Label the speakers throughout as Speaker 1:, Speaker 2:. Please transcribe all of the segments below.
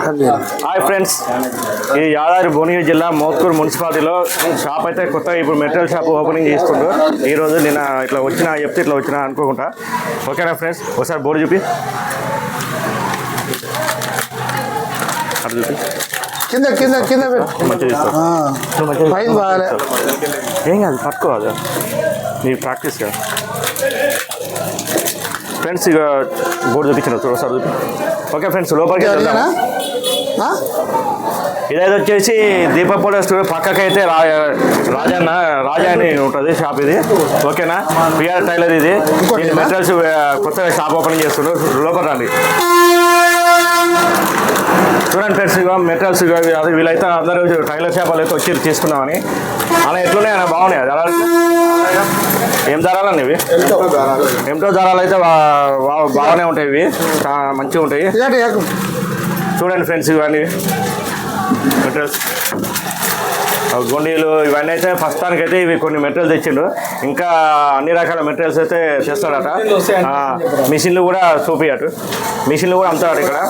Speaker 1: Hi friends, ఈ యాదాద్రి భువనగిరి జిల్లా మోత్కూరు మున్సిపాలిటీలో షాప్ అయితే కొత్తగా ఇప్పుడు మెటీరియల్ షాప్ ఓపెనింగ్ చేస్తుండ్రు. ఈరోజు నేను ఇట్లా వచ్చినా చెప్తే ఇట్లా వచ్చినా అనుకోకుండా. ఓకేనా ఫ్రెండ్స్, ఒకసారి బోర్డు చూపి అటు చూపి
Speaker 2: కింద కింద కింద
Speaker 1: మంచిగా ఏం కాదు, పట్టుకోవాలి నీ ప్రాక్టీస్ కదా ఫ్రెండ్స్. ఇక బోర్డు చూపించిన ఒకసారి చూపి. ఓకే ఫ్రెండ్స్, లోపలికి ఇదైతే వచ్చేసి దీపపోడ స్టూడియో పక్కకైతే రాజా అని ఉంటుంది షాప్ ఇది. ఓకేనా, పిఆర్ టైలర్ ఇది. మెటీరియల్స్ కొత్తగా షాప్ ఓపెనింగ్ చేస్తున్నారు. లోపల రండి చూడండి ఫ్రెండ్స్. ఇక మెటీరియల్స్ అది వీళ్ళైతే అందరూ టైలర్ షాప్ వాళ్ళు అయితే వచ్చి తీసుకున్నామని. అలా ఎట్లున్నాయి అన్న, బాగున్నాయి ధరలు. ఏం ధరలు ఇవి? ఎంతో ధరలు అయితే బాగానే ఉంటాయి. ఇవి మంచిగా ఉంటాయి. చూడండి ఫ్రెండ్స్, ఇవన్నీ మెటీరియల్స్ గొండీలు ఇవన్నీ అయితే ప్రస్తుతానికైతే ఇవి కొన్ని మెటీరియల్స్ తెచ్చిండు. ఇంకా అన్ని రకాల మెటీరియల్స్ అయితే చేస్తాడట. మిషన్లు కూడా చూపియటు, మిషన్లు కూడా అమ్ముతాడట ఇక్కడ.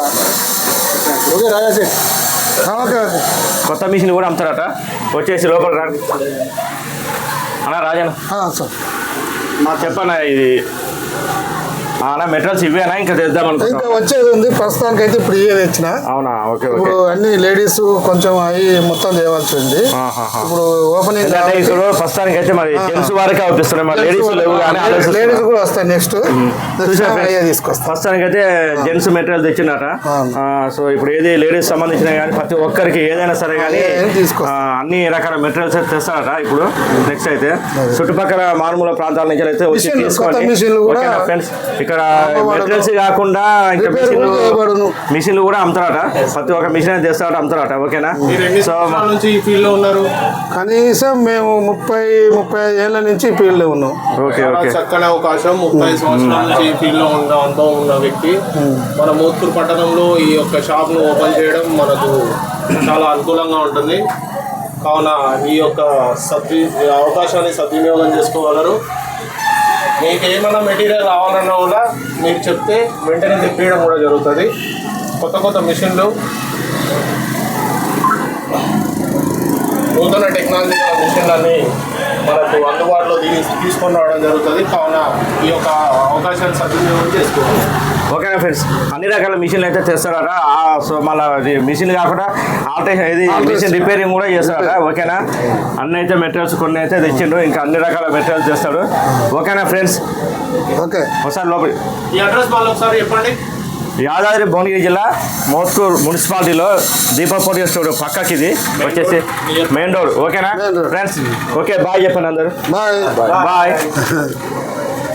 Speaker 1: కొత్త మిషన్లు కూడా అమ్ముతాడట. వచ్చేసి లోపల రా అన్న. రాజన్న చెప్పన్నా, ఇది అలా మెటీరియల్స్ ఇవేనా ఇంకా తెద్దాం అనుకుంటా?
Speaker 2: వచ్చేది ఉంది ప్రస్తుతానికి అయితే. ఇప్పుడు ఇవే తెచ్చిన.
Speaker 1: అవునా? ఓకే.
Speaker 2: ఇప్పుడు అన్ని లేడీస్ కొంచెం అవి మొత్తం చేయవలసి ఉంది. ఇప్పుడు ఓపెనింగ్
Speaker 1: ఇప్పుడు ప్రస్తుతానికి అయితే మరి జెంట్స్ వారికి అవుపిస్తున్నాయి. మరి లేడీస్
Speaker 2: లేడీస్ కూడా వస్తాయి. నెక్స్ట్ తీసుకొస్తాం.
Speaker 1: ప్రస్తుతానికి అయితే జెంట్స్ మెటీరియల్ తెచ్చినట. సో ఇప్పుడు ఏది లేడీస్ సంబంధించిన కానీ ప్రతి ఒక్కరికి ఏదైనా సరే కానీ అన్ని రకాల మెటీరియల్స్ అయితే తెస్తారట. ఇప్పుడు నెక్స్ట్ అయితే చుట్టుపక్కల మారుమూల ప్రాంతాల నుంచి అయితే వచ్చి తీసుకోండి ఫ్రెండ్స్. ఇక్కడ మెటీరియల్స్ కాకుండా ఇంకా మిషన్లు కూడా అమ్ముతారట. ప్రతి ఒక్క మిషన్ అయితే తెస్తారట, అమ్ముతారట. ఓకేనా? సో
Speaker 3: ఉన్నారు
Speaker 2: కనీసం మేము 30-35 ఏళ్ళ నుంచి ఈ ఫీల్డ్ లో ఉన్నాం.
Speaker 1: Okay okay.
Speaker 3: చక్కని అవకాశం. 30 సంవత్సరాల నుంచి ఈ ఫీల్డ్ లో అనుభవం ఉన్న వ్యక్తి మన మోత్కూరు పట్టణంలో ఈ యొక్క షాప్ ను ఓపెన్ చేయడం మనకు చాలా అనుకూలంగా ఉంటుంది. కావున ఈ యొక్క అవకాశాన్ని సద్వినియోగం చేసుకోగలరు. మీకు ఏమైనా మెటీరియల్ కావాలన్నా కూడా మీరు చెప్తే వెంటనే తెప్పియడం కూడా జరుగుతుంది. కొత్త కొత్త మిషన్లు, నూతన టెక్నాలజీ మిషన్లన్నీ మనకు అందుబాటులో తీసుకొని రావడం జరుగుతుంది. కావున ఈ యొక్క అవకాశాన్ని సద్వినియోగం చేసుకోవాలి.
Speaker 1: ఓకేనా ఫ్రెండ్స్, అన్ని రకాల మిషన్లు అయితే తెస్తారట. సో మళ్ళీ మిషన్ కాకుండా ఆల్టరేషన్ ఇది మిషన్ రిపేరింగ్ కూడా చేస్తారట. ఓకేనా? అన్ని అయితే మెటీరియల్స్ కొన్ని అయితే తెచ్చిండు. ఇంకా అన్ని రకాల మెటీరియల్స్ చేస్తాడు. ఓకేనా ఫ్రెండ్స్?
Speaker 2: ఓకే.
Speaker 1: ఒకసారి లోపలి
Speaker 3: ఈ అడ్రస్ వాళ్ళు ఒకసారి చెప్పండి.
Speaker 1: యాదాద్రి భువనగిరి జిల్లా మోత్కూరు మున్సిపాలిటీలో దీపపోడి స్టోర్ పక్కకి ఇది వచ్చేసి మెయిన్ రోడ్. ఓకేనా ఫ్రెండ్స్? ఓకే, బాయ్ చెప్పండి అందరు.
Speaker 2: Bye
Speaker 1: bye.